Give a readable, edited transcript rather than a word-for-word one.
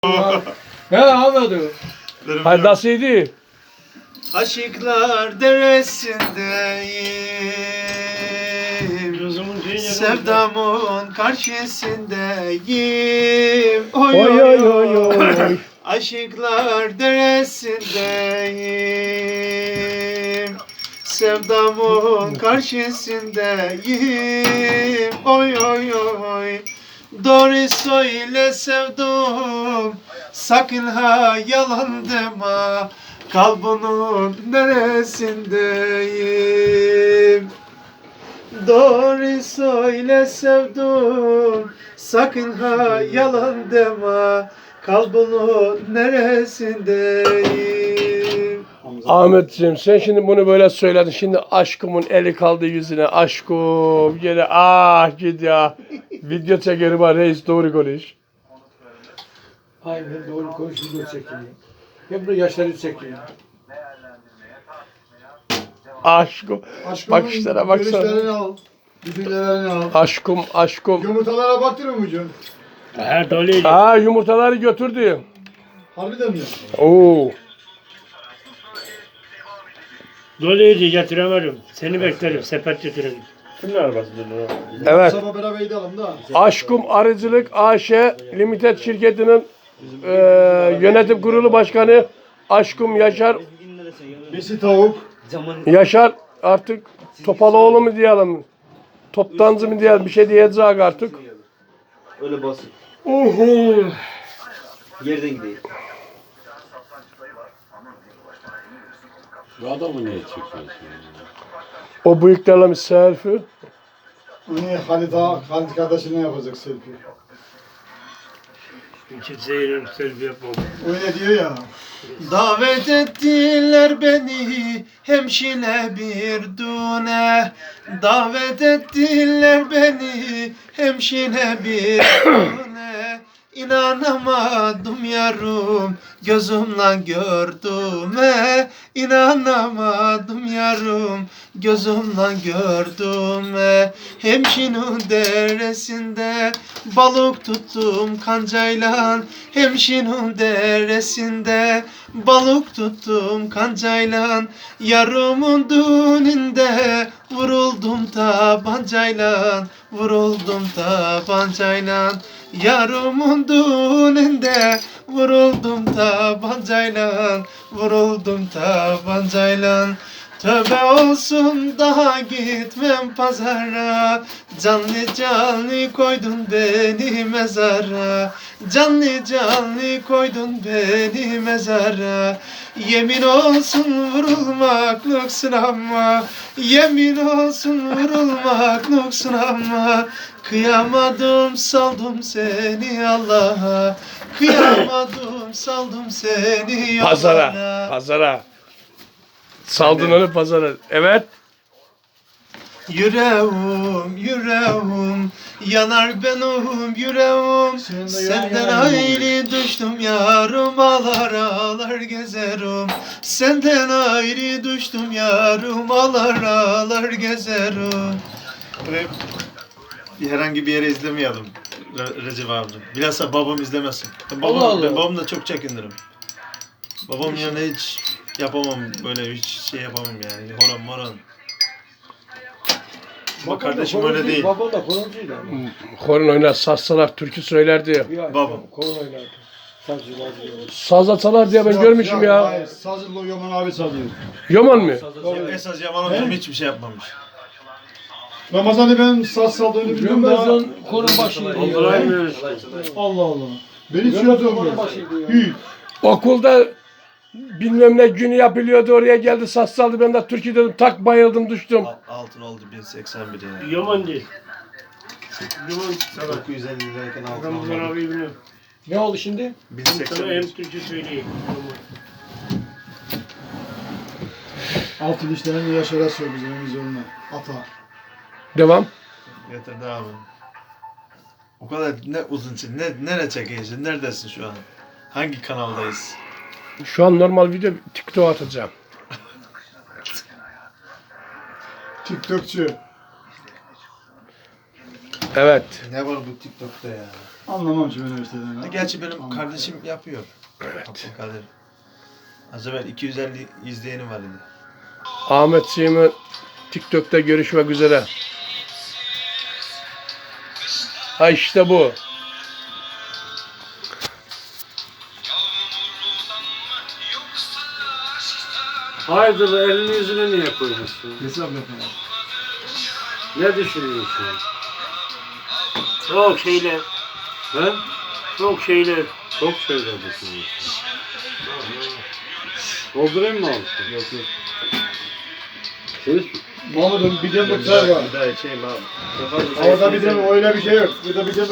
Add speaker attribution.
Speaker 1: He anladım.
Speaker 2: Hayır nasılydı?
Speaker 3: Aşıklar deresindeyim, sevdamın karşısındayım. Oy
Speaker 2: Oy oy oy oy.
Speaker 3: Aşıklar deresindeyim, sevdamın karşısındayım. Oy oy oy. Doğru söyle sevdum, sakın ha yalan deme. Kalbinin neresindeyim? Doğru söyle sevdum, sakın ha yalan deme. Kalbinin neresindeyim?
Speaker 2: Ahmetciğim sen şimdi bunu böyle söyledin. Şimdi aşkımın eli kaldı yüzüne. Aşkım gene ah git ya. Video çekerim var reis doğru konuş.
Speaker 1: Aynen doğru konuş video çekiyor. Hep bu yaşları çekiyor.
Speaker 2: Aşkım. Bakışlara baksana.
Speaker 4: Görüşlerini al. Düşüncelerini al.
Speaker 2: Aşkım.
Speaker 4: Yumurtalara baktın mı Can?
Speaker 5: Ha doluydu.
Speaker 2: Aa yumurtaları götürdü.
Speaker 4: Harbiden mi?
Speaker 2: Oo.
Speaker 5: Doluydu getiremedim. Seni beklerim. Sepet getirelim. Kimin arabası dedi o?
Speaker 2: Evet.
Speaker 4: Sabah beraber gidelim da.
Speaker 2: Aşkım Arıcılık AŞ Limited şirketinin yönetim kurulu başkanı Aşkım Yaşar.
Speaker 4: Besi tavuk.
Speaker 2: Yaşar artık Topaloğlu mu diyelim? Toptancı mı diyelim? Bir şey diyeceğiz artık.
Speaker 3: Öyle basit.
Speaker 2: Uhu.
Speaker 3: Yerden gideyim.
Speaker 6: Şu adamı niye çekiyorsun?
Speaker 2: O bıyıklarla bir selfie.
Speaker 4: Hani Halit kardeşine yapacak selfie.
Speaker 5: Kimseye selfie yapmam.
Speaker 4: Öyle diyor ya.
Speaker 3: Davet ettiler beni hemşire bir düğüne. Davet ettiler beni hemşire bir düğüne. İnanamadım yarım gözümle gördüğüme. İnanamadım yarım gözümle gördüğüme. Hemşinin deresinde balık tuttum kancayla. Hemşinin deresinde balık tuttum kancayla. Yarımın düğününde vuruldum tabancayla. Vuruldum tabancayla. Yarımın düğününde vuruldum tabancayla. Vuruldum tabancayla. Tövbe olsun daha gitmem pazara. Canlı canlı koydun beni mezara. Canlı canlı koydun beni mezara. Yemin olsun vurulmak sınanma. Yemin olsun vurulmak sınanma. Kıyamadım saldım seni Allah'a. Kıyamadım saldım seni yollara.
Speaker 2: Pazara. Saldın onu pazara. Evet.
Speaker 3: Yüreğim yanar benim yüreğim. Senden ayrı düştüm yarım, ağlar ağlar gezerim. Senden ayrı düştüm yarım, ağlar ağlar gezerim. Herhangi bir yere izlemeyelim Recep abicim. Bilhassa babam izlemesin. Ben babamla çok çekinirim. Babam yanında hiç yapamam, böyle hiç şey yapamam yani. Horon moron. Ama kardeşim öyle değil.
Speaker 1: Babam da koroncuydu.
Speaker 2: Horon oynar, sazsalar, türkü söylerdi.
Speaker 3: Babam.
Speaker 1: Koron oynardı. Sazcılar diyor.
Speaker 2: Sazla çalar diye ben görmüşüm ya.
Speaker 4: Hayır. Sazırlı Yaman abi çalıyor.
Speaker 2: Yaman mı?
Speaker 3: Esas Yaman hocam hiçbir şey yapmamış.
Speaker 4: Ramazan'ı ben saz çaldığını biliyorum da.
Speaker 1: Ramazan koron başıydı.
Speaker 4: Allah Allah. Ben hiç yazıyorum. Hiç.
Speaker 2: Okulda bilmem ne günü yapılıyordu, oraya geldi saz çaldı, ben de türkü dedim, tak bayıldım düştüm.
Speaker 3: Altın oldu 1081 yani.
Speaker 5: Yaman değil. Yaman sana.
Speaker 3: 950 lirayken altın
Speaker 5: Ramazan
Speaker 3: oldu.
Speaker 5: abi biliyorum.
Speaker 1: Ne oldu şimdi?
Speaker 5: Sana
Speaker 3: 1081.
Speaker 5: hem Türkçe söyleyeyim.
Speaker 4: Altın işlerini Yaşar'a sor bizim vizyonuna. Ata.
Speaker 2: Devam.
Speaker 3: Getirdi abi. O kadar ne uzun için, nereye çekiyorsun, neredesin şu an? Hangi kanaldayız?
Speaker 2: Şu an normal video TikTok atacağım.
Speaker 4: TikTokçu.
Speaker 2: Evet.
Speaker 3: Ne var bu TikTok'ta ya?
Speaker 4: Anlamam şu üniversiteden. ya.
Speaker 3: Gerçi benim kardeşim yapıyor. Abdülkadir. Az evvel 250 izleyeni var idi.
Speaker 2: Ahmetciğim'in TikTok'ta görüşmek üzere. Ha işte bu.
Speaker 1: Hayırdır elini yüzüne niye koymuşsun?
Speaker 4: Hesap yapalım.
Speaker 1: Ne düşünüyorsun?
Speaker 5: Çok şeyler,
Speaker 1: He?
Speaker 5: çok şeyler.
Speaker 1: Çok şeyler düşünüyorsun. Doldurayım mı abi?
Speaker 3: Yok yok.
Speaker 1: Siz
Speaker 4: Mahmut'un bir demlik çay var.
Speaker 3: Bir daha içeyim abi.
Speaker 4: Orada bir demlik öyle bir şey yok. Burada bir demlik